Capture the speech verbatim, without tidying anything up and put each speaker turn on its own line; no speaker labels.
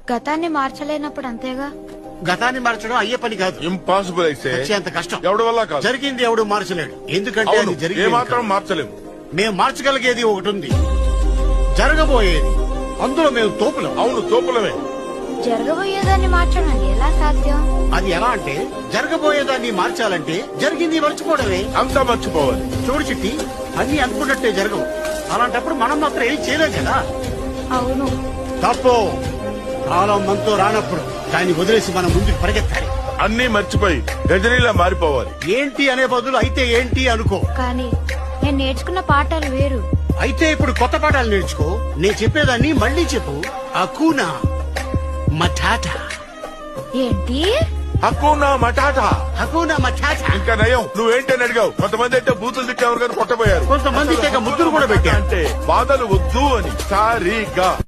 గతాన్ని మార్చలేనప్పుడు అంతేగా.
గతాన్ని మార్చడం అయ్యే పని కాదు.
ఇంపాసిబుల్ అయితే
అంత కష్టం
ఎవడి వల్ల కాదు.
జరిగింది ఎవడు మార్చలేడు. ఎందుకంటే
అవును,
అది
ఏ
జరిగింది
మాత్రం
కాదు.
మార్చలేము.
మేము మార్చగలిగేది ఒకటి ఉంది, జరగబోయేది. అందులో మేము తోపులం.
అవును, తోపులమే.
జరగబోయేదాన్ని మార్చడం ఎలా సాధ్యం?
అది ఎలా అంటే, జరగబోయేదాన్ని మార్చాలంటే జరిగింది మర్చిపోవడమే.
అంతా మర్చిపోవాలి.
చూడు చిట్టి, అన్ని అనుకున్నట్టే జరగవు. అలాంటప్పుడు మనం మాత్రం ఏం చేయలేం కదా.
అవును.
తప్పు. కాలం మనతో రానప్పుడు దాన్ని వదిలేసి మనం ముందుకు పరిగెత్తాలి.
అన్నీ మర్చిపోయి గజనీలా మారిపోవాలి.
ఏంటి అనే బదులు అయితే ఏంటి అనుకో.
కానీ నేను నేర్చుకున్న పాఠాలు వేరు.
అయితే ఇప్పుడు కొత్త పాఠాలు నేర్చుకో. నేను చెప్పేదాన్ని మళ్ళీ చెప్పు. అకూనా మటాటా.
ఏంటి?
హక్కునా మటాటా.
హకూనా మటాటా.
ఇంకా నయం, నువ్వేంటని అడిగావు. కొంతమంది అయితే బూతులు తిట్టేవారు కానీ కొట్టబోయారు.
కొంతమంది తెగ ముద్దులు కూడా పెట్టారు.
అంటే బాధలు వద్దు అని. సారీగా